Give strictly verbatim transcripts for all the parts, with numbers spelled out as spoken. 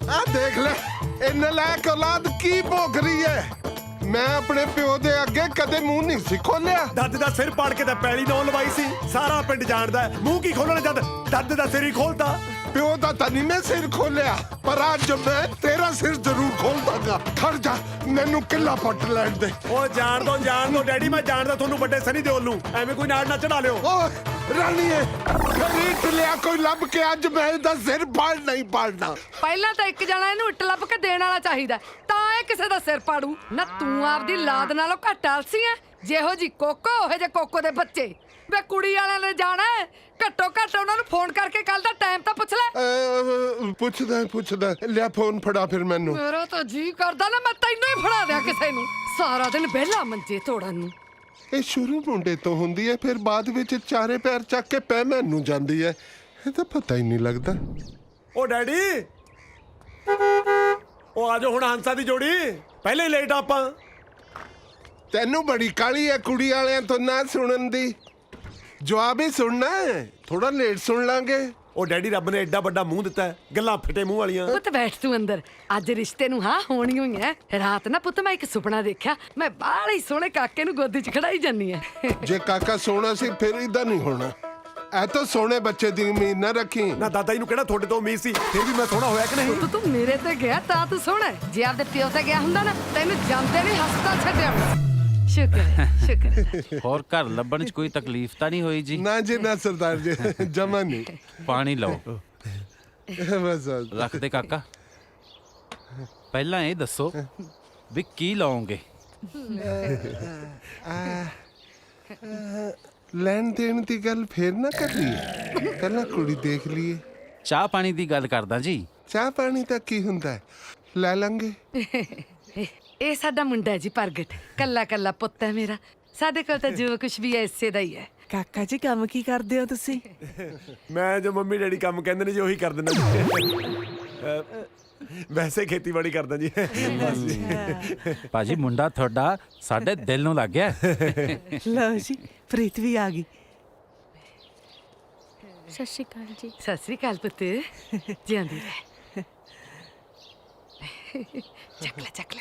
आ देख ले इन नलायक औलाद की भोग रही है। मैं अपने प्यो दे अगे कदे मुंह नहीं सी खोलिया। दर्द दा सिर पाड़ के ते पैली नौ लवाई सी, सारा पिंड जानदा है मुंह की खोलना जद दर्द दा सिर ही खोलता। प्यो दा तनी मैं सिर खोलिया, पर आज मैं तेरा सिर जरूर खोल दूंगा। खड़ जा, मैनू किला पट लैण दे। ओ जान दो जान दो डैडी, मैं जानदा थोनू बड़े सनी देओल नू, एवें कोई नाड़ ना चढ़ा लियो। ओ रानीए, खरीद लिया कोई लब के अज मैं इहदा सिर फाड़ नहीं पाड़ना। ਪਹਿਲਾਂ ਤਾਂ ਇੱਕ ਜਣਾ ਇਹਨੂੰ ਇੱਟ ਲੱਭ ਕੇ ਦੇਣ ਵਾਲਾ ਚਾਹੀਦਾ, ਤਾਂ ਇਹ ਕਿਸੇ ਦਾ ਸਿਰ ਪਾੜੂ ਨਾ। ਤੂੰ ਆਪਦੀ ਲਾਦ ਨਾਲੋਂ ਘੱਟ ਆਲਸੀ ਐ, ਜਿਹੋ ਜੀ ਕੋਕੋ ਉਹੋ ਜੇ ਕੋਕੋ ਦੇ ਬੱਚੇ। ਵੇ ਕੁੜੀ ਵਾਲਿਆਂ ਨੇ ਜਾਣਾ, ਘੱਟੋ ਘੱਟ ਉਹਨਾਂ ਨੂੰ ਫੋਨ ਕਰਕੇ ਕੱਲ ਦਾ ਟਾਈਮ ਤਾਂ ਪੁੱਛ ਲੈ। ਪੁੱਛਦਾ ਪੁੱਛਦਾ ਲਿਆ ਫੋਨ ਫੜਾ ਫਿਰ ਮੈਨੂੰ। ਮੇਰਾ ਤਾਂ ਜੀ ਕਰਦਾ ਨਾ ਮੈਂ ਤੈਨੂੰ ਹੀ ਫੜਾ ਦਿਆਂ ਕਿਸੇ ਨੂੰ, ਸਾਰਾ ਦਿਨ ਵਿਹਲਾ ਮੰਜੇ ਤੋੜਨ ਨੂੰ। ਇਹ ਸ਼ੁਰੂ ਮੁੰਡੇ ਤੋਂ ਹੁੰਦੀ ਹੈ, ਫਿਰ ਬਾਅਦ ਵਿੱਚ ਚਾਰੇ ਪੈਰ ਚੱਕ ਕੇ ਪੈ ਮੈਨੂੰ ਜਾਂਦੀ ਹੈ। ਇਹ ਤਾਂ ਪਤਾ ਹੀ ਨਹੀਂ ਲੱਗਦਾ। ओ डैडी ओ आजो हुण हंसा दी जोड़ी, पहले ही लेट आपां। ਤੈਨੂੰ ਬੜੀ ਕਾਲੀ ਹੈ ਕੁੜੀ ਵਾਲਿਆਂ ਤੋਂ ਨਾ ਸੁਣਨ ਦੀ। ਜਵਾਬ ਹੀ ਸੁਣਨਾ ਹੈ, ਥੋੜਾ ਲੇਟ ਸੁਣ ਲਾਂਗੇ। ओ डैडी रब ने एडा बड़ा मुंह दिता है, गल्लां फिटे मुंह वालियां। ਪੁੱਤ ਬੈਠ ਤੂੰ ਅੰਦਰ, ਅੱਜ ਰਿਸ਼ਤੇ ਨੂੰ ਹਾਂ ਹੋਣੀ ਹੋਈ ਐ। ਰਾਤ ਨਾ ਪੁੱਤ ਮੈਂ ਇੱਕ ਸੁਪਨਾ ਦੇਖਿਆ, ਮੈਂ ਬਾਹਲੇ ਹੀ ਸੋਹਣੇ ਕਾਕੇ ਨੂੰ ਗੋਦੀ 'ਚ ਖੜਾਈ ਜਾਨੀ ਐ। ਜੇ ਕਾਕਾ ਸੋਹਣਾ ਸੀ ਫਿਰ ਇਦਾਂ ਨਹੀਂ ਹੋਣਾ। ਐ ਤਾਂ ਸੋਹਣੇ ਬੱਚੇ ਦੀ ਉਮੀਦ ਨਾ ਰੱਖੀ। ना दादा जी नू कहना थोड़े तो उम्मीद सी, फिर भी मैं सोहना होया कि नहीं? ਪੁੱਤ ਤੂੰ ਮੇਰੇ ਤੇ ਗਿਆ ਤਾਂ ਤੂੰ ਸੋਹਣਾ, ਜੇ ਆਪਦੇ ਪਿਓ ਤੇ ਗਿਆ ਹੁੰਦਾ ਨਾ ਤੈਨੂੰ ਜਾਂਦੇ ਨਹੀਂ ਹਸਪਤਾਲ ਛੱਡਿਆ ਹੋਣਾ। ਸ਼ੁਕਰ ਹੈ, ਸ਼ੁਕਰ ਹੈ। ਹੋਰ ਘਰ ਲੱਭਣ 'ਚ ਕੋਈ ਤਕਲੀਫ ਤਾਂ ਨਹੀਂ ਹੋਈ ਜੀ? ਨਾ ਜੀ ਨਾ ਸਰਦਾਰ ਜੀ, ਜਮਾ ਨਹੀਂ। ਪਾਣੀ ਲਓ, ਬਸ ਰੱਖ ਦੇ ਕਾਕਾ। ਪਹਿਲਾਂ ਇਹ ਦੱਸੋ ਵੀ ਕੀ ਲਾਓਗੇ? ਲੈਣ ਦੇਣ ਦੀ ਗੱਲ ਫੇਰ ਨਾ ਕਰੀਏ, ਪਹਿਲਾਂ ਕੁੜੀ ਦੇਖ ਲਈਏ। ਚਾਹ ਪਾਣੀ ਦੀ ਗੱਲ ਕਰਦਾ ਜੀ। ਚਾਹ ਪਾਣੀ ਤਾਂ ਕੀ ਹੁੰਦਾ ਹੈ, ਲੈ ਲਾਂਗੇ। ਇਹ ਸਾਡਾ ਮੁੰਡਾ ਹੈ ਜੀ ਪ੍ਰਗਟ, ਕੱਲਾ ਕੱਲਾ ਪੁੱਤ ਹੈ ਮੇਰਾ। ਸਾਡੇ ਕੋਲ ਤਾਂ ਜੋ ਕੁਝ ਵੀ ਹੈ ਇਸੇ ਦਾ ਹੀ ਹੈ। ਕਾਕਾ ਜੀ ਕੰਮ ਕੀ ਕਰਦੇ ਹੋ ਤੁਸੀਂ? मैं जो मम्मी डैडी काम कहंदे ने जी ਉਹੀ ਕਰ ਦਿੰਦਾ जी। ਵੈਸੇ ਖੇਤੀਬਾੜੀ ਕਰਦਾ ਜੀ। ਭਾਜੀ ਮੁੰਡਾ ਤੁਹਾਡਾ ਸਾਡੇ ਦਿਲ ਨੂੰ ਲੱਗ ਗਿਆ। ਲਓ ਜੀ, ਪ੍ਰੀਤ ਵੀ ਆ ਗਈ। ਸਤਿ ਸ਼੍ਰੀ ਅਕਾਲ ਜੀ। ਸਤਿ ਸ੍ਰੀ ਅਕਾਲ ਪੁੱਤ, ਜਿਉਂਦੀ ਰਹਿ। ਚੱਕ ਲੈ ਚੱਕ ਲੈ।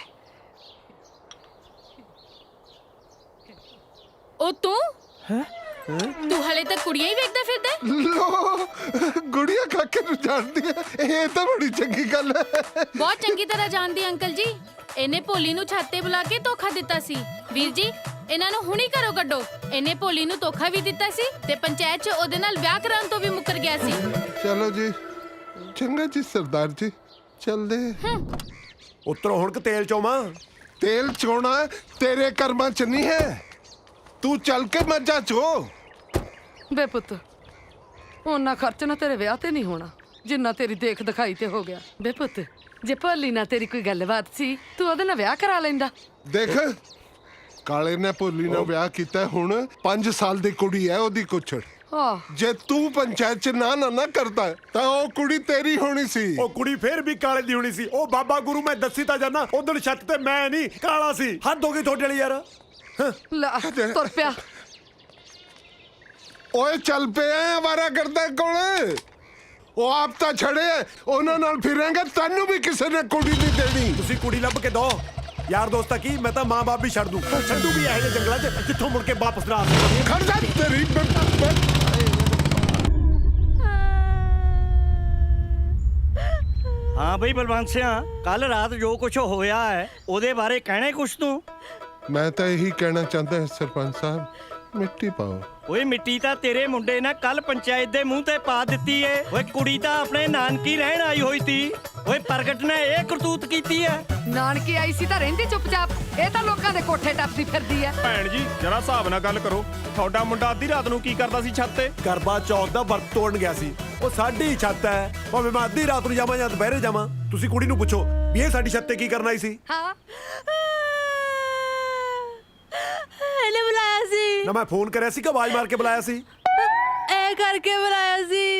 ਉਹ ਤੂੰ ਤੂੰ ਹਲੇ ਤੱਕ ਕੁੜੀਆਂ ਹੀ ਵੇਖਦਾ ਫਿਰਦਾ? ਲੋ ਗੁੜੀਆ ਕਾਕੇ ਨੂੰ ਜਾਣਦੀ ਹੈ, ਇਹ ਤਾਂ ਬੜੀ ਚੰਗੀ ਗੱਲ ਹੈ। ਬਹੁਤ ਚੰਗੀ ਤਰ੍ਹਾਂ ਜਾਣਦੀ ਅੰਕਲ ਜੀ। ਇਹਨੇ ਭੋਲੀ ਨੂੰ ਛੱਤ ਤੇ ਬੁਲਾ ਕੇ ਧੋਖਾ ਦਿੱਤਾ ਸੀ। ਵੀਰ ਜੀ ਇਹਨਾਂ ਨੂੰ ਹੁਣੀ ਘਰੋਂ ਕੱਢੋ। ਇਹਨੇ ਭੋਲੀ ਨੂੰ ਧੋਖਾ ਵੀ ਦਿੱਤਾ ਸੀ ਤੇ ਪੰਚਾਇਤ 'ਚ ਉਹਦੇ ਨਾਲ ਵਿਆਹ ਕਰਾਉਣ ਤੋਂ ਵੀ ਮੁੱਕਰ ਗਿਆ ਸੀ। ਚਲੋ ਜੀ, ਚੰਗਾ ਜੀ ਸਰਦਾਰ ਜੀ, ਚੱਲਦੇ। ਉਤਰੋ ਹੁਣ ਕਿ ਤੇਲ ਚੋਵਾਂ? ਤੇਲ ਚੋਣਾ ਤੇਰੇ ਕਰਮਾਂ ਚ ਨਹੀਂ ਹੈ, ਤੂੰ ਚੱਲ ਕੇ ਮੱਝਾਂ ਚੋ। ਬੇ ਪੁੱਤ, ਉਹਨਾਂ ਖਰਚ ਨਾ ਤੇਰੇ ਵਿਆਹ ਤੇ ਨਹੀਂ ਹੋਣਾ ਜਿੰਨਾ ਤੇਰੀ ਦੇਖ ਦਿਖਾਈ ਤੇ ਹੋ ਗਿਆ। ਬੇ ਪੁੱਤ, ਜੇ ਭੋਲੀ ਨਾਲ ਤੇਰੀ ਕੋਈ ਗੱਲਬਾਤ ਸੀ ਤੂੰ ਉਹਦੇ ਨਾਲ ਵਿਆਹ ਕਰਾ ਲੈਂਦਾ। ਦੇਖ ਕਾਲੇ ਨੇ ਭੋਲੀ ਨਾਲ ਵਿਆਹ ਕੀਤਾ, ਹੁਣ ਪੰਜ ਸਾਲ ਦੀ ਕੁੜੀ ਹੈ ਉਹਦੀ ਕੁਛੜ। ਆਹ ਜੇ ਤੂੰ ਪੰਚਾਇਤ ਚ ਨਾ ਨਾ ਨਾ ਕਰਦਾ ਤਾਂ ਉਹ ਕੁੜੀ ਤੇਰੀ ਹੋਣੀ ਸੀ। ਉਹ ਕੁੜੀ ਫੇਰ ਵੀ ਕਾਲੇ ਦੀ ਹੋਣੀ ਸੀ। ਉਹ ਬਾਬਾ ਗੁਰੂ ਮੈਂ ਦੱਸੀ ਤਾਂ ਜਾਨਾ, ਉਧਰ ਛੱਤ ਤੇ ਮੈਂ ਨਹੀਂ ਕਾਲਾ ਸੀ। ਹੱਦ ਹੋ ਗਈ ਤੁਹਾਡੇ ਵਾਲੀ ਯਾਰ। ਲੈ ਤੁਰ ਪਿਆ। ਓਏ ਚੱਲ ਪਿਆ ਆਵਾਰਾ ਕਰਦਾ ਕੋਲ। ਉਹ ਆਪ ਤਾਂ ਛੜੇ, ਉਹਨਾਂ ਨਾਲ ਫਿਰਾਂਗੇ, ਤੈਨੂੰ ਵੀ ਕਿਸੇ ਨੇ ਕੁੜੀ ਨਹੀਂ ਦੇਣੀ। ਤੁਸੀਂ ਕੁੜੀ ਲੱਭ ਕੇ ਦੋ। ਯਾਰ ਦੋਸਤਾ ਕੀ, ਮੈਂ ਤਾਂ ਮਾਂ ਬਾਪ ਵੀ ਛੱਡ ਦੂੰ। ਛੱਡੂ ਵੀ ਇਹੋ ਜਿਹੇ ਜੰਗਲਾਂ 'ਚ ਜਿੱਥੋਂ ਮੁੜ ਕੇ ਵਾਪਸ ਨਾ ਆ ਸਕਦੀ। ਖੜ ਜਾ ਤੇਰੀ हाँ बई बलवंत सिंह, कल रात जो कुछ होया है ਉਹਦੇ ਬਾਰੇ ਕਹਿਣਾ ਕੁਛ ਤੂੰ? ਮੈਂ ਤਾਂ ਇਹੀ ਕਹਿਣਾ ਚਾਹੁੰਦਾ ਹਾਂ ਸਰਪੰਚ ਸਾਹਿਬ, ਮਿੱਟੀ ਪਾਓ। ਓਏ ਮਿੱਟੀ ਤਾਂ ਤੇਰੇ ਮੁੰਡੇ ਨੇ ਕੱਲ ਪੰਚਾਇਤ ਦੇ ਮੂੰਹ ਤੇ ਪਾ ਦਿੱਤੀ ਏ। ਓਏ ਕੁੜੀ ਤਾਂ ਆਪਣੇ ਨਾਨਕੀ ਰਹਿਣ ਆਈ ਹੋਈ ਸੀ। ਓਏ ਪ੍ਰਗਟ ਨੇ ਇਹ ਕਰਤੂਤ ਕੀਤੀ ਹੈ। ਨਾਨਕੀ ਆਈ ਸੀ ਤਾਂ ਰਹਿੰਦੀ ਚੁੱਪਚਾਪ, ਇਹ ਤਾਂ ਲੋਕਾਂ ਦੇ ਕੋਠੇ ਟੱਪਦੀ ਫਿਰਦੀ ਐ। ਭੈਣ ਜੀ ਜਰਾ ਹਿਸਾਬ ਨਾਲ ਗੱਲ ਕਰੋ। ਤੁਹਾਡਾ ਮੁੰਡਾ ਅੱਧੀ ਰਾਤ ਨੂੰ ਕੀ ਕਰਦਾ ਸੀ ਛੱਤ ਤੇ? ਕਰਵਾ ਚੌਥ ਦਾ ਵਰਤ ਤੋੜਨ ਗਿਆ ਸੀ। ਉਹ ਸਾਡੀ ਛੱਤ ਹੈ, ਭਾਵੇਂ ਮੈਂ ਅੱਧੀ ਰਾਤ ਨੂੰ ਜਾਵਾਂ ਜਾਂ ਦੁਪਹਿਰੇ ਜਾਵਾਂ। ਤੁਸੀਂ ਕੁੜੀ ਨੂੰ ਪੁੱਛੋ ਵੀ ਇਹ ਸਾਡੀ ਛੱਤ ਤੇ ਕੀ ਕਰਨ ਆਈ ਸੀ। ਹਾਂ ਇਹਨੇ ਬੁਲਾਇਆ ਸੀ ਨਾ ਮੈਂ ਫੋਨ ਕਰਿਆ ਸੀ ਕਿ ਆਵਾਜ਼ ਮਾਰ ਕੇ ਬੁਲਾਇਆ ਸੀ? ਇਹ ਕਰਕੇ ਬੁਲਾਇਆ ਸੀ।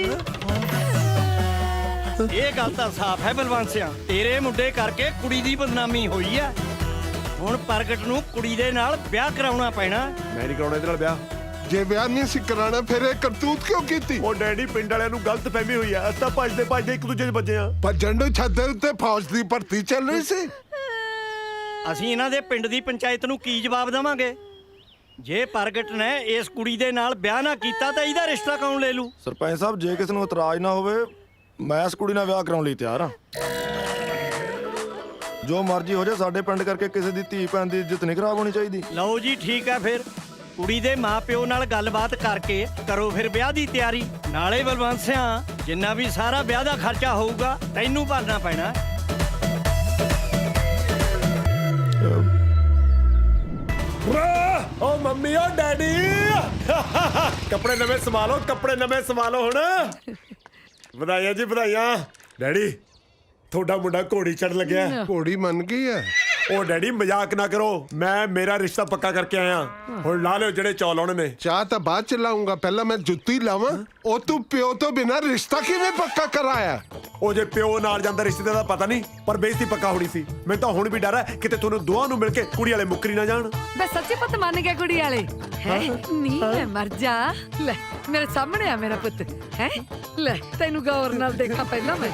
ਇਹ ਗੱਲ ਤਾਂ ਸਾਫ਼ ਹੈ ਬਲਵੰਤ ਸਿਆ, ਤੇਰੇ ਮੁੰਡੇ ਕਰਕੇ ਕੁੜੀ ਦੀ ਬਦਨਾਮੀ ਹੋਈ ਹੈ। ਹੁਣ ਪ੍ਰਗਟ ਨੂੰ ਕੁੜੀ ਦੇ ਨਾਲ ਵਿਆਹ ਕਰਾਉਣਾ ਪੈਣਾ। ਮੈਂ ਨਹੀਂ ਕਰਾਉਣਾ ਇਹਦੇ ਨਾਲ ਵਿਆਹ। ਜੇ ਵਿਆਹ ਨਹੀਂ ਸੀ ਕਰਾਣਾ ਫਿਰ ਇਹ ਕਰਤੂਤ ਕਿਉਂ ਕੀਤੀ? ਉਹ ਡੈਡੀ ਪਿੰਡ ਵਾਲਿਆਂ ਨੂੰ ਗਲਤ ਫਹਿਮੀ ਹੋਈ ਆ, ਅਸੀਂ ਤਾਂ ਭੱਜਦੇ ਭੱਜਦੇ ਇੱਕ ਦੂਜੇ 'ਚ ਵੱਜੇ ਆ। ਪਰ ਜੰਡੂ ਛੱਤ ਉੱਤੇ ਫੌਜ ਦੀ ਭਰਤੀ ਚੱਲ ਰਹੀ ਸੀ। ਅਸੀਂ ਇਹਨਾਂ ਦੇ ਪਿੰਡ ਦੀ ਪੰਚਾਇਤ ਨੂੰ ਕੀ ਜਵਾਬ ਦੇਵਾਂਗੇ? ਜੇ ਪ੍ਰਗਟ ਨੇ ਇਸ ਕੁੜੀ ਦੇ ਨਾਲ ਵਿਆਹ ਨਾ ਕੀਤਾ ਤਾਂ ਇਹਦਾ ਰਿਸ਼ਤਾ ਕੌਣ ਲੈ ਲੂ? ਸਰਪੰਚ ਸਾਹਿਬ, ਜੇ ਕਿਸੇ ਨੂੰ ਇਤਰਾਜ਼ ਨਾ ਹੋਵੇ, ਮੈਂ ਇਸ ਕੁੜੀ ਨਾਲ ਵਿਆਹ ਕਰਾਉਣ ਲਈ ਤਿਆਰ ਹਾਂ। ਜੋ ਮਰਜ਼ੀ ਹੋ ਜਾਏ, ਸਾਡੇ ਪਿੰਡ ਕਰਕੇ ਕਿਸੇ ਦੀ ਧੀ ਭੈਣ ਦੀ ਇੱਜ਼ਤ ਨਹੀਂ ਖਰਾਬ ਹੋਣੀ ਚਾਹੀਦੀ। ਲਓ ਜੀ ਠੀਕ ਹੈ, ਫਿਰ ਕੁੜੀ ਦੇ ਮਾਪਿਓ ਨਾਲ ਗੱਲਬਾਤ ਕਰਕੇ ਕਰੋ ਫਿਰ ਵਿਆਹ ਦੀ ਤਿਆਰੀ। ਨਾਲੇ ਬਲਵੰਤ ਸਿਆਂ, ਜਿੰਨਾ ਵੀ ਸਾਰਾ ਵਿਆਹ ਦਾ ਖਰਚਾ ਹੋਊਗਾ ਤੈਨੂੰ ਭਰਨਾ ਪੈਣਾ। ਓ ਮੰਮੀ ਓ ਡੈਡੀ, ਕੱਪੜੇ ਨਵੇਂ ਸਵਾ ਲਓ, ਕੱਪੜੇ ਨਵੇਂ ਸਵਾ ਲਓ ਹੁਣ। ਵਧਾਈਆਂ ਜੀ ਵਧਾਈਆਂ। ਡੈਡੀ, ਤੁਹਾਡਾ ਮੁੰਡਾ ਘੋੜੀ ਚੜ ਲੱਗਿਆ। ਘੋੜੀ ਮੰਨ ਗਈ ਹੈ। ਉਹ ਡੈਡੀ ਮਜ਼ਾਕ ਨਾ ਕਰੋ, ਮੈਂ ਮੇਰਾ ਰਿਸ਼ਤਾ ਪੱਕਾ ਕਰਕੇ ਆਇਆ। ਹੁਣ ਲਾ ਲਿਓ ਜਿਹੜੇ ਚੌਲ ਆਉਣੇ ਨੇ। ਚਾਹ ਤਾਂ ਬਾਅਦ ਚ ਲਾਉਂਗਾ, ਪਹਿਲਾਂ ਮੈਂ ਜੁੱਤੀ ਲਾਵਾਂ। ਉਹ ਤੂੰ ਪਿਓ ਤੋਂ ਬਿਨਾਂ ਰਿਸ਼ਤਾ ਕਿਵੇਂ ਪੱਕਾ ਕਰਾਇਆ? ਉਹ ਜੇ ਪਿਓ ਨਾਲ ਜਾਂਦਾ ਰਿਸ਼ਤੇ ਦਾ ਪਤਾ ਨਹੀਂ, ਪਰ ਬੇਇੱਜ਼ਤੀ ਪੱਕਾ ਹੋਣੀ ਸੀ। ਮੈਨੂੰ ਤਾਂ ਹੁਣ ਵੀ ਡਰ ਹੈ ਕਿਤੇ ਤੁਹਾਨੂੰ ਦੋਹਾਂ ਨੂੰ ਮਿਲ ਕੇ ਕੁੜੀ ਵਾਲੇ ਮੁੱਕਰੀ ਨਾ ਜਾਣ। ਬੇ ਸੱਚੀ ਪੁੱਤ ਮੰਨ ਗਿਆ ਕੁੜੀ ਵਾਲੇ ਹੈ? ਨਹੀਂ ਮੈਂ ਮਰ ਜਾ। ਲੈ ਮੇਰੇ ਸਾਹਮਣੇ ਆ ਮੇਰਾ ਪੁੱਤ ਹੈ। ਲੈ ਤੈਨੂੰ ਗੌਰ ਨਾਲ ਦੇਖਾਂ ਪਹਿਲਾਂ ਮੈਂ।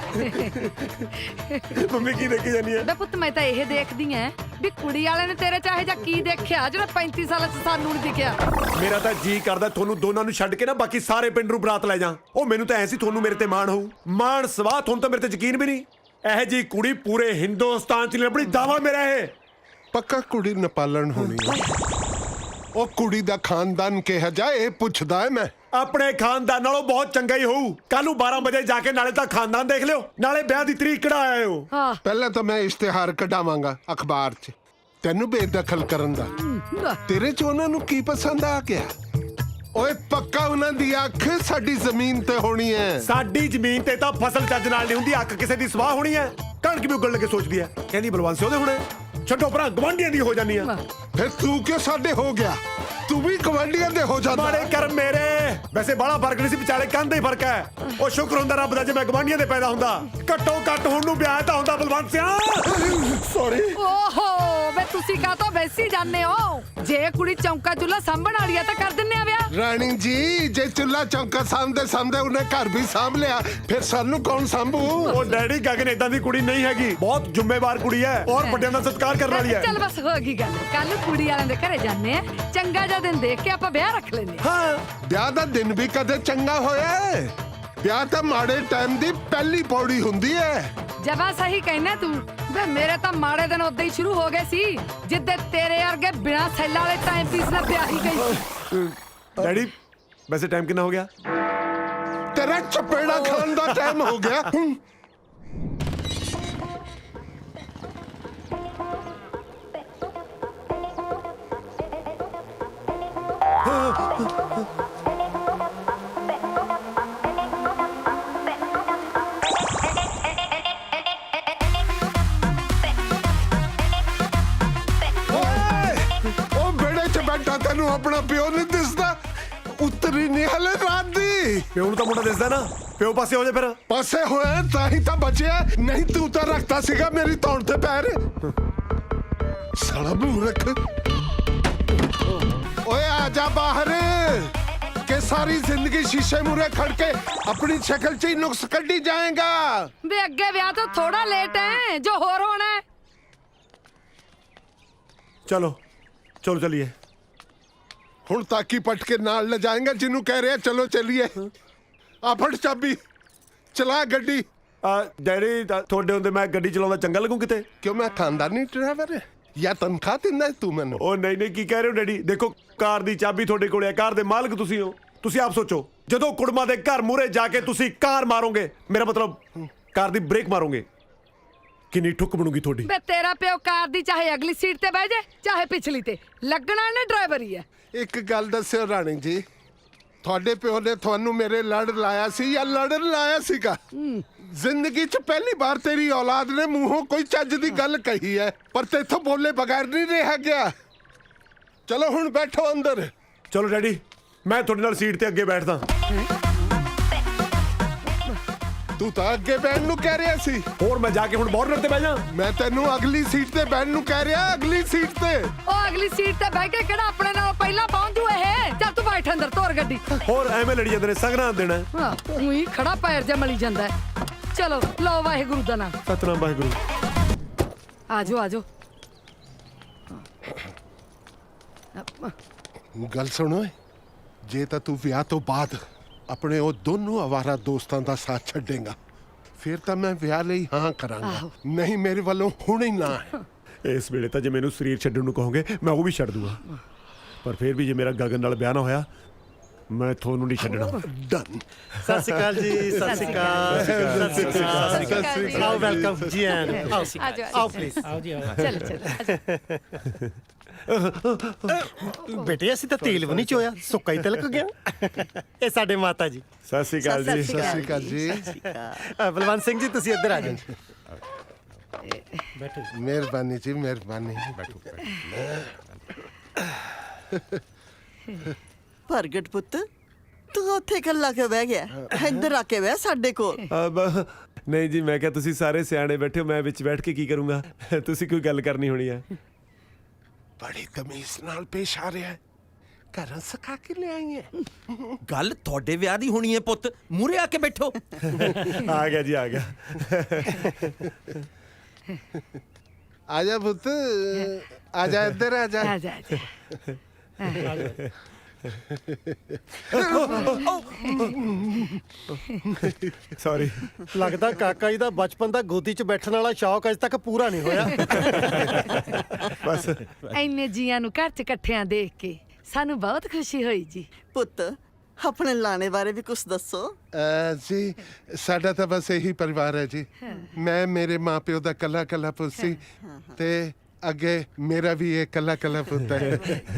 ਮੰਮੀ ਕੀ ਦੇਖੀ ਜਾਨੀ ਹੈ? ਬੇ ਪੁੱਤ ਮੈਂ ਤਾਂ ਇਹ ਦੇਖਦੀ ਐ ਵੀ ਕੁੜੀ ਵਾਲੇ ਨੇ ਤੇਰੇ ਚਾਹੇ ਜਾਂ ਕੀ ਦੇਖਿਆ ਜਿਹੜਾ ਪੈਂਤੀ ਸਾਲਾਂ ਚ ਸਾਨੂੰ ਨਹੀਂ ਦਿਖਿਆ। ਮੇਰਾ ਤਾਂ ਜੀ ਕਰਦਾ ਤੁਹਾਨੂੰ ਦੋਨਾਂ ਨੂੰ ਛੱਡ ਕੇ ਨਾ ਬਾਕੀ ਸਾਰੇ ਪਿੰਡ ਨੂੰ ਬਰਾਤ ਲੈ ਜਾ। ਉਹ ਮੈਨੂੰ ਤਾਂ ਐ ਸੀ ਤੁਹਾਨੂੰ ਮੇਰੇ ਤੇ ਮਾਣ ਹੋਊ। ਮਾਣ ਸਵਾਹ, ਤੁਹਾਨੂੰ ਤਾਂ ਮੇਰੇ ਤੇ ਯਕੀਨ ਵੀ ਨਹੀਂ। ਇਹ ਜੀ ਕੁੜੀ ਪੂਰੇ ਹਿੰਦੁਸਤਾਨ ਚ ਨਹੀਂ ਲੱਭਣੀ, ਦਾਵਾ ਮੇਰਾ ਇਹ। ਪੱਕਾ ਕੁੜੀ ਨਪਾਲਣ ਹੋਣੀ ਹੈ। ਉਹ ਕੁੜੀ ਦਾ ਖਾਨਦਾਨ ਕਿਹਾ ਜਾਏ ਇਹ ਪੁੱਛਦਾ ਹੈ ਮੈਂ। ਆਪਣੇ ਖਾਨਦਾਨ ਨਾਲੋਂ ਬਹੁਤ ਚੰਗਾ ਹੀ ਹੋਊ। ਕੱਲ ਨੂੰ ਬਾਰਾਂ ਵਜੇ ਜਾ ਕੇ ਨਾਲੇ ਤਾਂ ਖਾਨਦਾਨ ਦੇਖ ਲਿਓ, ਨਾਲੇ ਵਿਆਹ ਦੀ ਤਰੀਕ ਕਢਾ ਆਇਓ। ਹਾਂ ਪਹਿਲਾਂ ਤਾਂ ਮੈਂ ਇਸ਼ਤਿਹਾਰ ਕਢਾਵਾਂਗਾ ਅਖਬਾਰ 'ਚ, ਤੈਨੂੰ ਬੇਦਖਲ ਕਰਨ ਦਾ। ਤੇਰੇ 'ਚ ਉਹਨਾਂ ਨੂੰ ਕੀ ਪਸੰਦ ਆ ਗਿਆ? ਓਏ ਪੱਕਾ ਉਹਨਾਂ ਦੀ ਅੱਖ ਸਾਡੀ ਜ਼ਮੀਨ ਤੇ ਹੋਣੀ ਹੈ। ਸਾਡੀ ਜ਼ਮੀਨ ਤੇ ਤਾਂ ਫਸਲ ਚੱਜ ਨਾਲ ਨਹੀਂ ਹੁੰਦੀ, ਅੱਖ ਕਿਸੇ ਦੀ ਸਵਾਹ ਹੋਣੀ ਹੈ। ਕਣਕ ਵੀ ਉੱਗਣ ਲੱਗੇ ਸੋਚਦੀ ਹੈ, ਕਹਿੰਦੀ ਬਲਵੰਤ ਸਿੰਘ ਉਹਦੇ ਹੁਣੇ। ਛੱਡੋ ਭਰਾ, ਗਵਾਂਢੀਆਂ ਦੀ ਹੋ ਜਾਨੀ ਆ। ਫਿਰ ਤੂੰ ਕਿਉਂ ਸਾਡੇ ਹੋ ਗਿਆ? ਤੂੰ ਵੀ ਗਵਾਂਢੀਆਂ ਦੇ ਹੋ ਜਾਂਦਾ। ਮਾੜੇ ਕਰਮ ਮੇਰੇ। ਵੈਸੇ ਬਾਹਲਾ ਫਰਕ ਨਹੀਂ ਸੀ, ਵਿਚਾਲੇ ਕੰਧ ਦਾ ਹੀ ਫਰਕ ਹੈ। ਉਹ ਸ਼ੁਕਰ ਹੁੰਦਾ ਰੱਬ ਦਾ ਜੇ ਮੈਂ ਗਵਾਂਢੀਆਂ ਦੇ ਪੈਦਾ ਹੁੰਦਾ। ਘੱਟੋ ਘੱਟ ਹੁਣ ਨੂੰ ਵਿਆਹ ਤਾਂ ਹੁੰਦਾ ਬਲਵੰਤ ਸਿੰਘ। ਸੌਰੀ। ਓਹੋ ਵੇ ਤੁਸੀਂ ਕਾਹਤੋਂ ਵੈਸੀ ਜਾਂਦੇ ਹੋ? ਜੇ ਕੁੜੀ ਚੌਂਕਾ ਚੁੱਲਾ ਸਾਂਭਣ ਵਾਲੀ ਆ ਤਾਂ ਕਰ ਦਿੰਨੇ ਆ ਵਿਆਹ। ਰਾਣੀ ਜੀ, ਜੇ ਚੁੱਲਾ ਚੌਂਕਾ ਸਾਂਭਦੇ ਸਾਂਭਦੇ ਉਹਨੇ ਘਰ ਵੀ ਸਾਂਭ ਲਿਆ, ਫਿਰ ਸਾਨੂੰ ਕੌਣ ਸਾਂਭੂ? ਉਹ ਡੈਡੀ, ਗਗਨ ਏਦਾਂ ਦੀ ਕੁੜੀ ਨਹੀਂ ਹੈਗੀ, ਬਹੁਤ ਜ਼ਿੰਮੇਵਾਰ ਕੁੜੀ ਹੈ ਔਰ ਵੱਡਿਆਂ ਦਾ ਸਤਿਕਾਰ ਕਰਨ ਵਾਲੀ ਹੈ। ਚੱਲ ਬਸ ਹੋ ਗਈ ਗੱਲ। ਕੱਲ ਕੁੜੀ ਵਾਲਿਆਂ ਦੇ ਘਰੇ ਜਾਂਦੇ ਆ, ਚੰਗਾ ਜਿਹਾ ਦਿਨ ਦੇਖ ਕੇ ਆਪਾਂ ਵਿਆਹ ਰੱਖ ਲੈਂਦੇ ਆ। ਹਾਂ, ਵਿਆਹ ਦਾ ਦਿਨ ਵੀ ਕਦੇ ਚੰਗਾ ਹੋਇਆ ਹੈ? ਵਿਆਹ ਤਾਂ ਮਾੜੇ ਟਾਈਮ ਦੀ ਪਹਿਲੀ ਪੌੜੀ ਹੁੰਦੀ ਹੈ। ਜਵਾ ਸਹੀ ਕਹਿਣਾ ਤੂੰ। ਵੇ ਮੇਰੇ ਤਾਂ ਮਾੜੇ ਦਿਨ ਉਦੋਂ ਹੀ ਸ਼ੁਰੂ ਹੋ ਗਏ ਸੀ ਜਿੱਦੇ ਤੇਰੇ ਵਰਗੇ ਬਿਨਾ ਸੈੱਲਾਂ ਵਾਲੇ ਟਾਈਮ ਪੀਸ ਨਾਲ ਵਿਆਹ ਹੀ ਗਈ। ਡੈਡੀ, ਵੈਸੇ ਟਾਈਮ ਕਿੰਨਾ ਹੋ ਗਿਆ? ਤੇਰਾ ਚਪੇੜਾ ਖਾਣ ਦਾ ਟਾਈਮ ਹੋ ਗਿਆ। ਉਹ ਬੇੜੇ 'ਚ ਬੈਠਾ ਤੈਨੂੰ ਆਪਣਾ ਪਿਓ ਨਹੀਂ ਦਿਸਦਾ? ਉਤਰੀ ਨਹੀਂ ਹਲੇ ਰਾਤ ਦੀ। ਪਿਓ ਨੂੰ ਤਾਂ ਮੁੰਡਾ ਦਿਸਦਾ ਨਾ, ਪਿਓ ਪਾਸੇ ਹੋ ਜਾ ਫਿਰ। ਪਾਸੇ ਹੋਇਆ ਤਾਂ ਹੀ ਤਾਂ ਬਚਿਆ, ਨਹੀਂ ਤੂੰ ਤਾਂ ਰੱਖਤਾ ਸੀਗਾ ਮੇਰੀ ਧੌਣ ਤੇ ਪੈਰ। ਸਾਲਾ ਮੂਰਖ। ਓਏ ਆ ਜਾ ਬਾਹਰ, ਕਿ ਸਾਰੀ ਜ਼ਿੰਦਗੀ ਸ਼ੀਸ਼ੇ ਮੂਰੇ ਖੜ ਕੇ ਆਪਣੀ ਸ਼ਕਲ 'ਚ ਹੀ ਨੁਕਸ ਕੱਢੀ ਜਾਏਗਾ। ਵੇ ਅੱਗੇ ਵਿਆਹ ਤੋਂ ਥੋੜਾ ਲੇਟ ਹੈ, ਜੋ ਹੋਰ ਹੋਣਾ ਹੈ। ਚਲੋ ਚਲੋ ਚਲੀਏ। ਹੁਣ ਤਾਕੀ ਪਟ ਕੇ ਨਾਲ ਲੈ ਜਾਏਗਾ ਜਿਹਨੂੰ ਕਹਿ ਰਿਹਾ ਚਲੋ ਚੱਲੀਏ। ਆ ਫੜ ਚਾਬੀ, ਚਲਾ ਗੱਡੀ। ਆ ਡੈਡੀ, ਤਾਂ ਤੁਹਾਡੇ ਹੁੰਦੇ ਮੈਂ ਗੱਡੀ ਚਲਾਉਂਦਾ ਚੰਗਾ ਲੱਗੂ ਕਿਤੇ? ਕਿਉਂ ਮੈਂ ਖਾਨਦਾਨੀ ਡਰਾਈਵਰ ਹੈ ਜਾਂ ਤਨਖਾਹ ਦਿੰਦਾ ਤੂੰ ਮੈਨੂੰ? ਉਹ ਨਹੀਂ ਨਹੀਂ, ਕੀ ਕਹਿ ਰਹੇ ਹੋ ਡੈਡੀ? ਦੇਖੋ, ਕਾਰ ਦੀ ਚਾਬੀ ਤੁਹਾਡੇ ਕੋਲ ਹੈ, ਕਾਰ ਦੇ ਮਾਲਕ ਤੁਸੀਂ ਹੋ। ਤੁਸੀਂ ਆਪ ਸੋਚੋ, ਜਦੋਂ ਕੁੜਮਾ ਦੇ ਘਰ ਮੂਹਰੇ ਜਾ ਕੇ ਤੁਸੀਂ ਕਾਰ ਮਾਰੋਗੇ, ਮੇਰਾ ਮਤਲਬ ਕਾਰ ਦੀ ਬ੍ਰੇਕ ਮਾਰੋਗੇ, ਕਿੰਨੀ ਠੁੱਕ ਬਣੂਗੀ ਤੁਹਾਡੀ। ਵੇ ਤੇਰਾ ਪਿਓ ਕਾਰ ਦੀ ਚਾਹੇ ਅਗਲੀ ਸੀਟ ਤੇ ਬਹਿ ਜਾ ਚਾਹੇ ਪਿਛਲੀ ਤੇ, ਲੱਗਣਾ ਨੇ ਡਰਾਈਵਰ ਹੀ ਹੈ। ਇੱਕ ਗੱਲ ਦੱਸਿਓ ਰਾਣੀ ਜੀ, ਤੁਹਾਡੇ ਪਿਓ ਨੇ ਤੁਹਾਨੂੰ ਮੇਰੇ ਲੜ ਲਾਇਆ ਸੀ ਜਾਂ ਲੜਨ ਲਾਇਆ ਸੀਗਾ? ਜ਼ਿੰਦਗੀ 'ਚ ਪਹਿਲੀ ਵਾਰ ਤੇਰੀ ਔਲਾਦ ਨੇ ਮੂੰਹੋਂ ਕੋਈ ਚੱਜ ਦੀ ਗੱਲ ਕਹੀ ਹੈ, ਪਰ ਤੇਥੋਂ ਬੋਲੇ ਬਗੈਰ ਨਹੀਂ ਰਿਹਾ ਗਿਆ। ਚਲੋ ਹੁਣ ਬੈਠੋ ਅੰਦਰ। ਚਲੋ ਡੈਡੀ, ਮੈਂ ਤੁਹਾਡੇ ਨਾਲ ਸੀਟ ਤੇ ਅੱਗੇ ਬੈਠਦਾ। ਤੂੰ ਤਾਂ ਅੱਗੇ ਬੈਠਣ ਨੂੰ ਕਹਿ ਰਿਹਾ ਸੀ। ਹੋਰ ਮੈਂ ਜਾ ਕੇ ਹੁਣ ਬੋਰਨਰ ਤੇ ਬਹਿ ਜਾ। ਮੈਂ ਤੈਨੂੰ ਅਗਲੀ ਸੀਟ ਤੇ ਬੈਠਣ ਨੂੰ ਕਹਿ ਰਿਹਾ, ਅਗਲੀ ਸੀਟ ਤੇ। ਉਹ ਅਗਲੀ ਸੀਟ ਤੇ ਬਹਿ ਕੇ ਕਿਹੜਾ ਆਪਣੇ ਨਾਲ ਪਹਿਲਾਂ ਪਹੁੰਚ ਜੂ ਇਹ। ਚੱਲ ਤੂੰ ਬੈਠ ਅੰਦਰ, ਤੋਰ ਗੱਡੀ। ਹੋਰ ਐਵੇਂ ਲੜੀ ਜਾਂਦੇ ਨੇ, ਸੰਗਰਾਂ ਦੇਣਾ। ਹਾਂ ਉਹੀ ਖੜਾ ਪੈਰ ਜਿਹਾ ਮਲੀ ਜਾਂਦਾ ਹੈ। ਚਲੋ ਲਓ ਵਾਹਿਗੁਰੂ ਦਾ ਨਾਮ। ਸਤਨਾਮ ਵਾਹਿਗੁਰੂ। ਆਜੋ ਆਜੋ। ਗੱਲ ਸੁਣ ਓਏ, ਜੇ ਤਾਂ ਤੂੰ ਵਿਆਹ ਤੋਂ ਬਾਅਦ ਆਪਣੇ ਉਹ ਦੋਨੋਂ ਆਵਾਰਾ ਦੋਸਤਾਂ ਦਾ ਸਾਥ ਛੱਡੇਗਾ, ਫਿਰ ਤਾਂ ਮੈਂ ਵਿਆਹ ਲਈ ਹਾਂ ਕਰਾਂਗਾ, ਨਹੀਂ ਮੇਰੇ ਵੱਲੋਂ ਹੁਣ ਹੀ ਨਾ ਹੈ। ਇਸ ਵੇਲੇ ਤਾਂ ਜੇ ਮੈਨੂੰ ਸਰੀਰ ਛੱਡਣ ਨੂੰ ਕਹੋਗੇ ਮੈਂ ਉਹ ਵੀ ਛੱਡ ਦੂੰਗਾ, ਪਰ ਫਿਰ ਵੀ ਜੇ ਮੇਰਾ ਗਗਨ ਨਾਲ ਵਿਆਹ ਨਾ ਹੋਇਆ ਮੈਂ ਤੁਹਾਨੂੰ ਨਹੀਂ ਛੱਡਣਾ। ਡਨ। ਸਤਿ ਸ਼੍ਰੀ ਅਕਾਲ ਜੀ। ਸਤਿ ਸ਼੍ਰੀ ਅਕਾਲ। ਸਤਿ ਸ਼੍ਰੀ ਅਕਾਲ। ਸਤਿ ਸ਼੍ਰੀ ਅਕਾਲ। ਆਓ ਵੈਲਕਮ ਜੀ ਐਨ ਆਓ ਆਜੋ ਆਓ ਪਲੀਜ਼। ਆਓ ਜੀ ਚਲ ਚਲ। ਬੇਟੇ ਅਸੀਂ ਤਾਂ ਤੇਲ ਵੀ ਨਹੀਂ ਚੋਇਆ, ਸੁੱਕਾ ਹੀ ਤਿਲਕ ਗਿਆ। ਇਹ ਸਾਡੇ ਮਾਤਾ ਜੀ। ਸਤਿ ਸ਼੍ਰੀ ਅਕਾਲ ਜੀ। ਸਤਿ ਸ਼੍ਰੀ ਅਕਾਲ ਜੀ। ਅ, ਬਲਵੰਤ ਸਿੰਘ ਜੀ ਤੁਸੀਂ ਇੱਧਰ ਆ ਜਾਓ। ਮਿਹਰਬਾਨੀ ਜੀ, ਮਿਹਰਬਾਨੀ। ਪ੍ਰਗਟ ਪੁੱਤ, ਤੂੰ ਉੱਥੇ ਇਕੱਲਾ ਕਿਉਂ ਬਹਿ ਗਿਆ? ਇੱਧਰ ਆ ਕੇ ਬਹਿ ਸਾਡੇ ਕੋਲ। ਅਬ ਨਹੀਂ ਜੀ, ਮੈਂ ਕਿਹਾ ਤੁਸੀਂ ਸਾਰੇ ਸਿਆਣੇ ਬੈਠੇ ਹੋ, ਮੈਂ ਵਿੱਚ ਬੈਠ ਕੇ ਕੀ ਕਰੂੰਗਾ? ਤੁਸੀਂ ਕੋਈ ਗੱਲ ਕਰਨੀ ਹੋਣੀ ਹੈ। ਬੜੀ ਤਮੀਜ਼ ਨਾਲ ਪੇਸ਼ ਆ ਰਿਹਾ ਹੈ, ਘਰੋਂ ਸਿਖਾ ਕੇ ਲਿਆਈ ਹੈ। ਗੱਲ ਤੁਹਾਡੇ ਵਿਆਹ ਦੀ ਹੋਣੀ ਹੈ ਪੁੱਤ, ਮੂਹਰੇ ਆ ਕੇ ਬੈਠੋ। ਆ ਗਿਆ ਜੀ, ਆ ਗਿਆ। ਆ ਜਾ ਪੁੱਤ, ਆ ਜਾ ਇੱਧਰ ਆ ਜਾ। ਆ ਜਾ ਆ ਜਾ। ਸੌਰੀ। ਲੱਗਦਾ ਕਾਕਾ ਜੀ ਦਾ ਬਚਪਨ ਦਾ ਗੋਦੀ 'ਚ ਬੈਠਣ ਵਾਲਾ ਸ਼ੌਕ ਅਜੇ ਤੱਕ ਪੂਰਾ ਨਹੀਂ ਹੋਇਆ। ਬਸ ਇੰਨੇ ਜੀਆਂ ਨੂੰ ਘਰ 'ਚ ਇਕੱਠਿਆਂ ਦੇਖ ਕੇ ਸਾਨੂੰ ਬਹੁਤ ਖੁਸ਼ੀ ਹੋਈ ਜੀ। ਪੁੱਤ, ਆਪਣੇ ਲਾਣੇ ਬਾਰੇ ਵੀ ਕੁਝ ਦੱਸੋ। ਅਹ ਜੀ ਸਾਡਾ ਤਾਂ ਬਸ ਇਹੀ ਪਰਿਵਾਰ ਹੈ ਜੀ। ਮੈਂ ਮੇਰੇ ਮਾਪਿਓ ਦਾ ਕੱਲਾ ਕੱਲਾ ਪੁੱਤ ਸੀ, ਤੇ ਅੱਗੇ ਮੇਰਾ ਵੀ ਇਹ ਕੱਲਾ ਕੱਲਾ ਪੁੱਤ ਹੈ।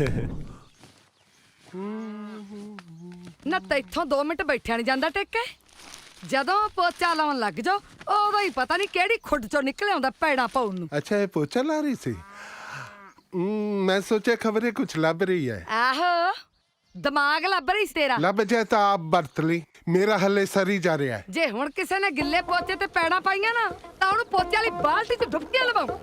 ਨਾ ਤੈਥੋਂ ਦੋ ਮਿੰਟ ਬੈਠਿਆ ਨਹੀਂ ਜਾਂਦਾ ਟਿੱਕੇ। ਜਦੋਂ ਪੋਚਾ ਲਾਉਣ ਲੱਗ ਜਾਓ ਉਦੋਂ ਹੀ ਪਤਾ ਨਹੀਂ ਕਿਹੜੀ ਖੁੱਡ ਚੋਂ ਨਿਕਲ ਆਉਂਦਾ ਪੈੜਾ ਪਾਉਣ ਨੂੰ। ਅੱਛਾ, ਇਹ ਪੋਚਾ ਲਾ ਰਹੀ ਸੀ। ਹਮ, ਮੈਂ ਸੋਚਿਆ ਖਬਰੇ ਕੁਝ ਲੱਭ ਰਹੀ ਹੈ। ਆਹੋ, ਦਿਮਾਗ ਲੱਭ ਰਹੀ ਸੀ ਤੇਰਾ। ਲੱਭ ਜਾਏ ਤਾਂ ਆਪ ਵਰਤ ਲਈ, ਮੇਰਾ ਹੱਲੇ ਸਰੀ ਜਾ ਰਿਹਾ ਹੈ। ਜੇ ਹੁਣ ਕਿਸੇ ਨੇ ਗਿੱਲੇ ਪੋਚੇ ਤੇ ਪੈੜਾ ਪਾਈਆਂ ਨਾ ਤਾਂ ਉਹਨੂੰ ਪੋਚੇ ਵਾਲੀ ਬਾਲਟੀ 'ਚ ਡੁੱਬਕੀਆਂ ਲਵਾਉ।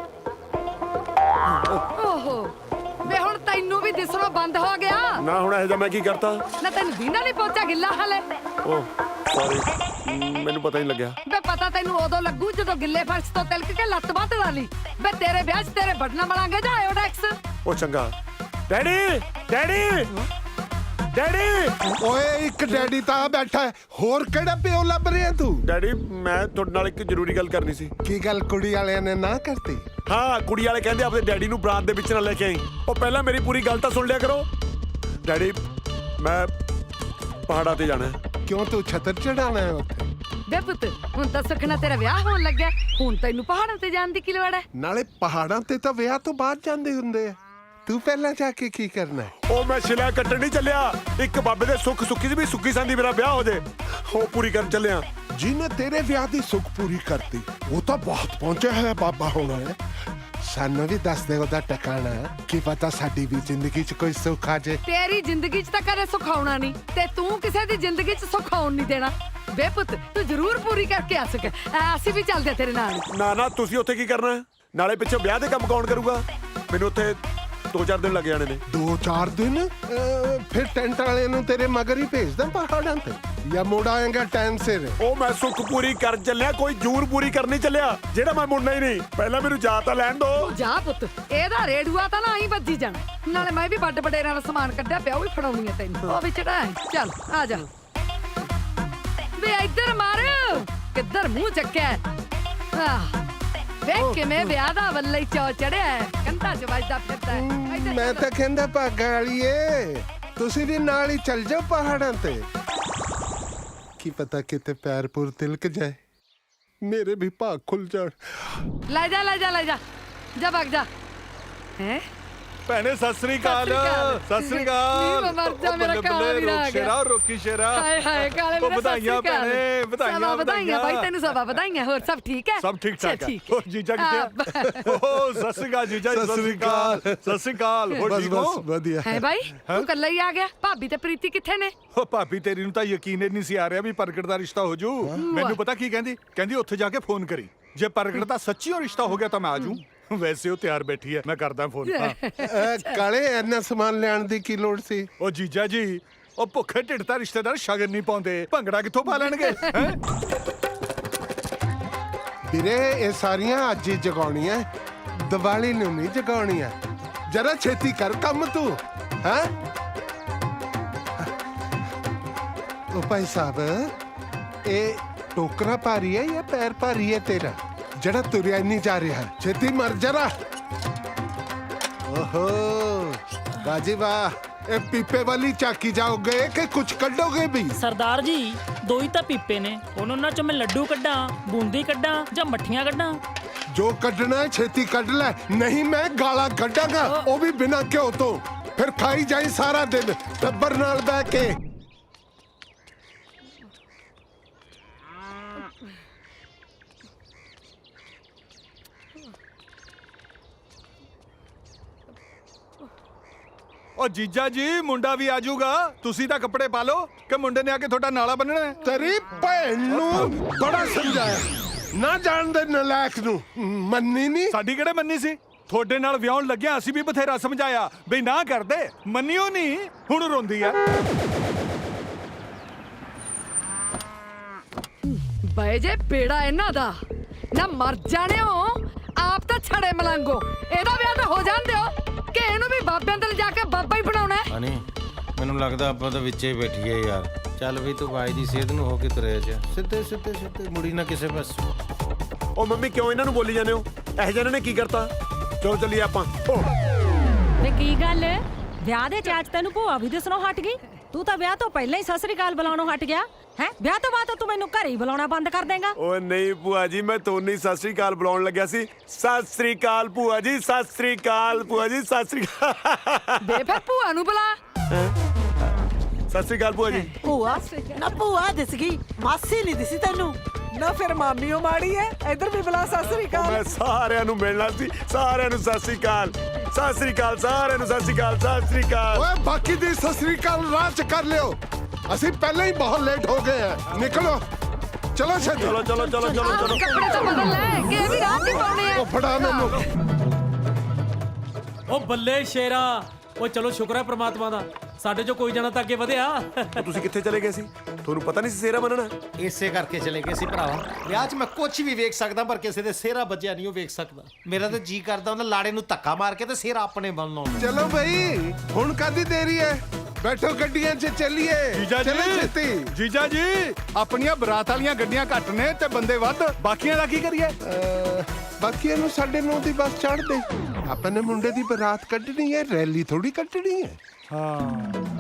ਓਹੋ ਵੇ, ਹੁਣ ਤੈਨੂੰ ਵੀ ਦਿਸਣੋਂ ਬੰਦ ਹੋ ਗਿਆ ਨਾ। ਹੁਣ ਇਹ ਜਿਹਾ ਮੈਂ ਕੀ ਕਰਤਾ? ਨਾ ਤੈਨੂੰ ਦੀਨਾ ਨਹੀਂ ਪੋਚਾ ਗਿੱਲਾ ਹਲੇ। ਓ ਸੌਰੀ, ਮੈਨੂੰ ਪਤਾ ਨਹੀਂ ਲੱਗਿਆ। ਬੇ ਪਤਾ ਤੈਨੂੰ ਉਦੋਂ ਲੱਗੂ ਜਦੋਂ ਗਿੱਲੇ ਫਰਸ਼ ਤੋਂ ਤਿਲਕ ਕੇ ਲੱਤ ਬਾਤ ਡਾਲੀ। ਬੇ ਤੇਰੇ ਵਿਆਹ 'ਚ ਤੇਰੇ ਬਟਨਾ ਮਲਾਂਗੇ ਜਾਂ ਆਇਓਡੈਕਸ। ਉਹ ਚੰਗਾ। Daddy, daddy, daddy. ਓਏ ਇੱਕ ਡੈਡੀ ਤਾਂ ਆ ਬੈਠਾ ਹੈ, ਹੋਰ ਕਿਹੜਾ ਪਿਓ ਲੱਭ ਰਿਹਾ ਤੂੰ? ਡੈਡੀ, ਮੈਂ ਤੁਹਾਡੇ ਨਾਲ ਇੱਕ ਜ਼ਰੂਰੀ ਗੱਲ ਕਰਨੀ ਸੀ। ਕੀ ਗੱਲ, ਕੁੜੀ ਵਾਲਿਆਂ ਨੇ ਨਾ ਕਰਤੀ? ਹਾਂ, ਕੁੜੀ ਵਾਲੇ ਕਹਿੰਦੇ ਆਪਣੇ ਡੈਡੀ ਨੂੰ ਬਰਾਤ ਦੇ ਵਿੱਚ ਨਾ ਲੈ ਕੇ ਆਈ। ਉਹ ਪਹਿਲਾਂ ਮੇਰੀ ਪੂਰੀ ਗੱਲ ਤਾਂ ਸੁਣ ਲਿਆ ਕਰੋ। ਡੈਡੀ, ਮੈਂ ਪਹਾੜਾਂ ਤੇ ਜਾਣਾ ਹੈ। ਕਿਉਂ, ਤੂੰ ਛਤਰ ਚੜਾਣਾ ਹੈ ਉੱਥੇ? ਬੇ ਪੁੱਤ, ਹੁਣ ਤਾਂ ਸੁਖਣਾ ਤੇਰਾ ਵਿਆਹ ਹੋਣ ਲੱਗਿਆ, ਹੁਣ ਤੈਨੂੰ ਪਹਾੜਾਂ ਤੇ ਜਾਣ ਦੀ ਕੀ ਲੋੜ ਹੈ? ਨਾਲੇ ਪਹਾੜਾਂ ਤੇ ਤਾਂ ਵਿਆਹ ਤੋਂ ਬਾਅਦ ਜਾਂਦੇ ਹੁੰਦੇ ਆ, ਤੂੰ ਪਹਿਲਾਂ ਜਾ ਕੇ ਕੀ ਕਰਨਾ ਹੈ? ਉਹ ਮੈਂ ਸ਼ਿਲਾ ਕੱਟਣ ਨਹੀਂ ਚੱਲਿਆ। ਇੱਕ ਬਾਬੇ ਦੇ ਸੁੱਖ ਸੁੱਖੀ ਸੀ ਵੀ ਸੁੱਖੀ ਸੰਦੀ ਮੇਰਾ ਵਿਆਹ ਹੋ ਜੇ, ਉਹ ਪੂਰੀ ਕਰਨ ਚੱਲਿਆ। ਜਿਹਨੇ ਤੇਰੇ ਵਿਆਹ ਦੀ ਸੁੱਖ ਪੂਰੀ ਕਰਤੀ ਉਹ ਤਾਂ ਬਹੁਤ ਪਹੁੰਚਿਆ ਹੋਇਆ ਬਾਬਾ ਹੋਣਾ ਹੈ। ਸਾਨੂੰ ਵੀ ਦੱਸ ਦੇ ਉਹਦਾ ਟਿਕਾਣਾ, ਕੀ ਪਤਾ ਸਾਡੀ ਵੀ ਜ਼ਿੰਦਗੀ 'ਚ ਕੋਈ ਸੁੱਖ ਆ ਜੇ। ਤੇਰੀ ਜ਼ਿੰਦਗੀ 'ਚ ਤਾਂ ਕਦੇ ਸੁੱਖ ਆਉਣਾ ਨਹੀਂ, ਤੇ ਤੂੰ ਕਿਸੇ ਦੀ ਜ਼ਿੰਦਗੀ 'ਚ ਸੁੱਖ ਆਉਣ ਨਹੀਂ ਦੇਣਾ। ਬੇ ਪੁੱਤ, ਤੂੰ ਜ਼ਰੂਰ ਪੂਰੀ ਕਰਕੇ ਆ ਸਕੇ। ਅਸੀਂ ਵੀ ਚੱਲਦੇ ਤੇਰੇ ਨਾਲ। ਨਾ ਨਾ, ਤੁਸੀਂ ਉੱਥੇ ਕੀ ਕਰਨਾ ਹੈ? ਨਾਲੇ ਪਿੱਛੇ ਵਿਆਹ ਦੇ ਕੰਮ ਕੌਣ ਕਰੂਗਾ? ਮੈਨੂੰ ਉੱਥੇ ਦੋ ਚਾਰ ਦਿਨ ਲੱਗ ਜਾਣੇ ਨੇ। ਦੋ ਚਾਰ ਦਿਨ? ਅਹ, ਫਿਰ ਟੈਂਟ ਵਾਲੇ ਨੂੰ ਤੇਰੇ ਮਗਰ ਹੀ ਭੇਜਦਾ ਪਹਾੜਾਂ ਤੇ, ਜਾਂ ਮੁੜ ਆਏਗਾ ਟਾਈਮ ਸਿਰ? ਉਹ ਮੈਂ ਸੁੱਖ ਪੂਰੀ ਕਰ ਚੱਲਿਆ, ਕੋਈ ਜੂਰ ਪੂਰੀ ਕਰਨੀ ਚੱਲਿਆ, ਜਿਹੜਾ ਮੈਂ ਮੁੜਨਾ ਹੀ ਨਹੀਂ। ਪਹਿਲਾਂ ਮੈਨੂੰ ਜਾ ਤਾਂ ਲੈਣ ਦੋ। ਜਾ ਪੁੱਤ, ਇਹਦਾ ਰੇੜੂਆ ਤਾਂ ਨਾ ਹੀ ਵੱਜੀ ਜਾਣਾ। ਨਾਲੇ ਮੈਂ ਵੀ ਵੱਡ ਵਡੇਰਾਂ ਦਾ ਸਮਾਨ ਕੱਢਿਆ ਪਿਆ, ਉਹ ਵੀ ਫੜਾਉਣੀ ਹੈ ਤੈਨੂੰ। ਉਹ ਵੀ ਚੜਾ। ਚੱਲ ਆ ਜਾ। ਵੇ ਇੱਧਰ ਮਾਰ, ਕਿੱਧਰ ਮੂੰਹ ਚੱਕਿਆ? ਆਹ ਵੇਖ ਕਿਵੇਂ ਵਿਆਹ ਦਾ ਵੱਲੇ ਹੀ ਚੌ ਚੜਿਆ, ਕੰਧਾਂ 'ਚ ਵੱਜਦਾ ਫਿਰਦਾ ਹੈ। ਇੱਧਰ ਮੈਂ ਤਾਂ ਕਹਿੰਦਾ ਭਾਗਾਂ ਵਾਲੀਏ, ਤੁਸੀਂ ਵੀ ਨਾਲ ਹੀ ਚੱਲ ਜਾਓ ਪਹਾੜਾਂ ਤੇ। ਕੀ ਪਤਾ ਕਿਤੇ ਪੈਰ ਪੁਰ ਤਿਲਕ ਜਾਏ, ਮੇਰੇ ਵੀ ਭਾਗ ਖੁੱਲ ਜਾਣ। ਲੈ ਜਾ ਲੈ ਜਾ ਲੈ ਜਾ ਜਾ ਭੱਗ ਜਾ। ਹੈ ਭੈਣੇ ਸਤਿ ਸ੍ਰੀ ਅਕਾਲ ਸਤਿ ਸ੍ਰੀ ਨੀ ਅਕਾਲ ਮੈਂ ਮਰ ਜਾ, ਮੇਰਾ ਕਾਲਾ ਵੀਰ ਆ ਗਿਆ। ਸ਼ੇਰਾ ਰੋਕੀ ਸ਼ੇਰਾ ਹਾਏ ਹਾਏ ਕਾਲੇ ਉਹ ਵੀਰੇ, ਸਤਿ ਵਧਾਈਆਂ ਸ਼੍ਰੀ ਅਕਾਲ। ਭੈਣੇ, ਵਧਾਈਆਂ, ਸਭਾ ਵਧਾਈਆਂ ਵਧਾਈਆਂ। ਬਾਈ, ਤੈਨੂੰ ਸਭਾ ਵਧਾਈਆਂ। ਹੋਰ ਸਭ ਠੀਕ ਹੈ? ਸਭ ਠੀਕ ਠਾਕ ਅੱਛਾ, ਹੈ ਠੀਕ ਹੈ। ਹੋਰ ਜੀਜਾ ਕਿੱਥੇ ਆ ਓ ਸਤਿ ਸ੍ਰੀ ਅਕਾਲ ਜੀਜਾ ਜੀ, ਸਤਿ ਸ੍ਰੀ ਅਕਾਲ। ਸਤਿ ਸ੍ਰੀ ਅਕਾਲ ਹੋਰ ਬਸ ਠੀਕ ਬਸ ਹੋ ਵਧੀਆ। ਹੈ ਬਾਈ, ਤੂੰ ਇਕੱਲਾ ਹੀ ਆ ਗਿਆ? ਭਾਬੀ ਤੇ ਪ੍ਰੀਤੀ ਕਿੱਥੇ ਨੇ? ਓ ਭਾਬੀ ਤੇਰੀ ਨੂੰ ਤਾਂ ਯਕੀਨ ਹੀ ਨਹੀਂ ਸੀ ਆ ਰਿਹਾ ਵੀ ਪ੍ਰਗਟ ਦਾ ਰਿਸ਼ਤਾ ਹੋ ਜੂ ਮੈਨੂੰ ਪਤਾ ਕੀ ਕਹਿੰਦੀ ਕਹਿੰਦੀ ਉੱਥੇ ਜਾ ਕੇ ਫੋਨ ਕਰੀ ਜੇ ਪ੍ਰਗਟ ਦਾ ਸੱਚੀ ਰਿਸ਼ਤਾ ਹੋ ਗਿਆ ਤਾਂ ਮੈਂ ਆ ਜੂ ਵੈਸੇ ਉਹ ਤਿਆਰ ਬੈਠੀ ਹੈ ਮੈਂ ਕਰਦਾ ਫੋਨ ਹਾਂ ਅਹ, ਕਾਲੇ ਇੰਨਾ ਸਮਾਨ ਲੈਣ ਦੀ ਕੀ ਲੋੜ ਸੀ? ਉਹ ਜੀਜਾ ਜੀ ਉਹ ਭੁੱਖੇ ਢਿੱਡ ਤਾਂ ਰਿਸ਼ਤੇਦਾਰ ਸ਼ਗਨ ਨਹੀਂ ਪਾਉਂਦੇ ਭੰਗੜਾ ਕਿੱਥੋਂ ਪਾ ਲੈਣਗੇ ਹੈਂ? ਵੀਰੇ ਇਹ ਸਾਰੀਆਂ ਅੱਜ ਹੀ ਜਗਾਉਣੀਆਂ, ਦੀਵਾਲੀ ਨੂੰ ਨਹੀਂ ਜਗਾਉਣੀਆਂ। ਜਰਾ ਛੇਤੀ ਕਰ ਕੰਮ ਤੂੰ। ਹੈ ਉਹ ਭਾਈ ਸਾਹਿਬ, ਇਹ ਟੋਕਰਾ ਭਾਰੀ ਹੈ ਜਾਂ ਪੈਰ ਭਾਰੀ ਹੈ ਤੇਰਾ ਜਿਹੜਾ ਤੁਰਿਆ ਹੀ ਨਹੀਂ ਜਾ ਰਿਹਾ? ਛੇਤੀ ਮਰ ਜਰਾ। ਓਹੋ ਬਾਜੀ ਵਾਹ, ਇਹ ਪੀਪੇ ਵਾਲੀ ਚਾਕੀ ਜਾਓਗੇ ਕਿ ਕੁਝ ਕੱਢੋਗੇ ਵੀ? ਸਰਦਾਰ ਜੀ ਦੋ ਹੀ ਤਾਂ ਪੀਪੇ ਨੇ, ਹੁਣ ਉਹਨਾਂ ਚੋਂ ਮੈਂ ਲੱਡੂ ਕੱਢਾਂ, ਬੂੰਦੀ ਕੱਢਾਂ ਜਾਂ ਮੱਠੀਆਂ ਕੱਢਾਂ? ਜੋ ਕੱਢਣਾ ਹੈ ਛੇਤੀ ਕੱਢ ਲੈ, ਨਹੀਂ ਮੈਂ ਗਾਲਾਂ ਕੱਢਾਂਗਾ, ਉਹ ਵੀ ਬਿਨਾਂ ਘਿਓ ਤੋਂ। ਫਿਰ ਖਾਈ ਜਾਈ ਸਾਰਾ ਦਿਨ ਟੱਬਰ ਨਾਲ ਬਹਿ ਕੇ। ਉਹ ਜੀਜਾ ਜੀ ਮੁੰਡਾ ਵੀ ਆ ਜਾਊਗਾ ਤੁਸੀਂ ਤਾਂ ਕੱਪੜੇ ਪਾ ਲਓ ਕਿ ਮੁੰਡੇ ਨੇ ਆ ਕੇ ਤੁਹਾਡਾ ਨਾਲਾ ਬੰਨਣਾ ਹੈ? ਤੇਰੀ ਭੈਣ ਨੂੰ ਬੜਾ ਸਮਝਾਇਆ, ਨਾ ਜਾਣਦੇ ਨਲਾਇਕ ਨੂੰ। ਮੰਨੀ ਨਹੀਂ ਸਾਡੀ ਕਿਹੜੇ ਮੰਨੀ ਸੀ ਤੁਹਾਡੇ ਨਾਲ ਵਿਆਹਣ ਲੱਗਿਆ ਅਸੀਂ ਵੀ ਬਥੇਰਾ ਸਮਝਾਇਆ ਬਈ ਨਾ ਕਰਦੇ, ਮੰਨਿਓ ਨਹੀਂ, ਹੁਣ ਰੋਂਦੀ ਆ। ਬਏ ਜੇ ਬੇੜਾ ਇਹਨਾਂ ਦਾ ਨਾ, ਮਰ ਜਾਣਿਓ ਆਪ ਤਾਂ ਛੜੇ ਮਲੰਗੋ। ਇਹਦਾ ਵਿਆਹ ਤਾਂ ਹੋ ਜਾਣ ਦਿਓ ਕਿ ਇਹਨੂੰ ਵੀ ਬਾਬਿਆਂ ਦੇ ਜਾ ਕੇ ਬਾਬਾ ਹੀ ਬਣਾਉਣਾ ਹੈ। ਹਣੀ ਮੈਨੂੰ ਲੱਗਦਾ ਆਪਾਂ ਤਾਂ ਵਿੱਚੇ ਹੀ ਬੈਠੀਏ ਯਾਰ। ਚੱਲ ਵੀ ਤੂੰ ਬਾਈ ਦੀ ਸਿਹਤ ਨੂੰ ਹੋ ਕੇ ਤੁਰਿਆ ਜਾ, ਸਿੱਧੇ ਸਿੱਧੇ ਸਿੱਧੇ ਮੁੜੀ ਨਾ ਕਿਸੇ ਪਾਸੇ। ਉਹ ਮੰਮੀ ਕਿਉਂ ਇਹਨਾਂ ਨੂੰ ਬੋਲੀ ਜਾਂਦੇ ਹੋ? ਇਹੋ ਜਿਹੇ ਨੇ ਕੀ ਕਰਤਾ? ਚਲੋ ਚੱਲੀਏ ਆਪਾਂ। ਵੇ ਕੀ ਗੱਲ ਵਿਆਹ ਦੇ ਚਾਚ ਤੈਨੂੰ ਭੂਆ ਵੀ ਦੱਸਣੋਂ ਹਟ ਗਈ? ਤੂੰ ਤਾਂ ਵਿਆਹ ਤੋਂ ਪਹਿਲਾਂ ਹੀ ਸਤਿ ਸ੍ਰੀ ਅਕਾਲ ਬੁਲਾਉਣੋਂ ਹਟ ਗਿਆ ਹੈ। ਵਿਆਹ ਤੋਂ ਬਾਅਦ ਤੂੰ ਮੈਨੂੰ ਘਰੇ ਹੀ ਬੁਲਾਉਣਾ ਬੰਦ ਕਰ ਦੇਂਗਾ? ਓਏ ਨਹੀਂ ਭੂਆ ਜੀ, ਮੈਂ ਤੁਹਾਨੂੰ ਸਤਿ ਸ੍ਰੀ ਅਕਾਲ ਬੁਲਾਉਣ ਲੱਗਿਆ ਸੀ। ਸਤਿ ਸ੍ਰੀ ਅਕਾਲ ਭੂਆ ਜੀ, ਸਤਿ ਸ੍ਰੀ ਅਕਾਲ ਭੂਆ ਜੀ, ਸਤਿ ਸ੍ਰੀ ਅਕਾਲ। ਦੇ ਫਿਰ ਭੂਆ ਨੂੰ ਬੁਲਾ। ਸਤਿ ਸ੍ਰੀ ਅਕਾਲ ਭੂਆ ਜੀ। ਭੂਆ ਨਾ ਭੂਆ ਦਿਸ ਗਈ, ਮਾਸੀ ਨਹੀਂ ਦਿਸੀ ਤੈਨੂੰ। ਨਾ ਫਿਰ ਮਾਮੀਓ ਮਾੜੀ ਐ, ਇੱਧਰ ਵੀ ਬੁਲਾ ਸਤਿ ਸ੍ਰੀ ਅਕਾਲ। ਮੈਂ ਸਾਰਿਆਂ ਨੂੰ ਮਿਲਣਾ ਸੀ, ਸਾਰਿਆਂ ਨੂੰ ਸਤਿ ਸ੍ਰੀ ਅਕਾਲ, ਸਤਿ ਸ੍ਰੀ ਅਕਾਲ, ਸਾਰਿਆਂ ਨੂੰ ਸਤਿ ਸ੍ਰੀ ਅਕਾਲ, ਸਤਿ ਸ੍ਰੀ ਅਕਾਲ। ਓਏ ਬਾਕੀ ਦੀ ਸਤਿ ਸ੍ਰੀ ਅਕਾਲ ਰਾਹ ਚ ਕਰ ਲਿਓ, ਅਸੀਂ ਪਹਿਲਾਂ ਹੀ ਬਹੁਤ ਲੇਟ ਹੋ ਗਏ ਆ। ਨਿਕਲੋ ਚਲੋ ਛੇਤੀ। ਚਲੋ ਚਲੋ ਚਲੋ ਚਲੋ ਆਹ ਚਲੋ। ਕੱਪੜੇ ਤਾਂ ਬਦਲ ਲੈ ਕਿ ਇਹ ਵੀ ਰਾਹ ਚ ਪਾਉਣੇ ਆ। ਉਹ ਫੜਾ ਮੈਨੂੰ। ਉਹ ਬੱਲੇ ਸ਼ੇਰਾ, ਉਹ ਚਲੋ ਸ਼ੁਕਰ ਹੈ ਪ੍ਰਮਾਤਮਾ ਦਾ, ਸਾਡੇ ਚੋਂ ਕੋਈ ਜਣਾ ਤਾਂ ਅੱਗੇ ਵਧਿਆ। ਉਹ ਤੁਸੀਂ ਕਿੱਥੇ ਚਲੇ ਗਏ ਸੀ? ਤੁਹਾਨੂੰ ਪਤਾ ਨਹੀਂ ਸੀ ਸੇਰਾ ਮੰਨਣਾ? ਇਸੇ ਕਰਕੇ ਚਲੇ ਗਏ ਸੀ ਭਰਾਵਾ। ਵਿਆਹ 'ਚ ਮੈਂ ਕੁਝ ਵੀ ਵੇਖ ਸਕਦਾ ਪਰ ਕਿਸੇ ਦੇ ਸਿਹਰਾ ਵੱਜਿਆ ਨਹੀਂ ਉਹ ਵੇਖ ਸਕਦਾ। ਮੇਰਾ ਤਾਂ ਜੀ ਕਰਦਾ ਉਹਨਾਂ ਲਾੜੇ ਨੂੰ ਧੱਕਾ ਮਾਰ ਕੇ ਤੇ ਸਿਹਰਾ ਆਪਣੇ ਵੱਲ ਨੂੰ। ਚਲੋ ਬਈ ਹੁਣ ਕਾਦੀ ਦੇਰੀ ਹੈ, ਬੈਠੋ ਗੱਡੀਆਂ 'ਚ ਚੱਲੀਏ। ਜੀਜਾ ਚਲੋ ਜੀ ਛੇਤੀ। ਜੀਜਾ ਜੀ ਆਪਣੀਆਂ ਬਰਾਤ ਵਾਲੀਆਂ ਗੱਡੀਆਂ ਘੱਟ ਨੇ ਤੇ ਬੰਦੇ ਵੱਧ, ਬਾਕੀਆਂ ਦਾ ਕੀ ਕਰੀਏ? ਅਹ, ਬਾਕੀਆਂ ਨੂੰ ਸਾਡੇ ਨੌ ਦੀ ਬੱਸ ਚੜ੍ਹ ਦੇ। ਆਪਾਂ ਨੇ ਮੁੰਡੇ ਦੀ ਬਰਾਤ ਕੱਢਣੀ ਹੈ, ਰੈਲੀ ਥੋੜੀ ਕੱਢਣੀ ਹੈ। ਹਾਂ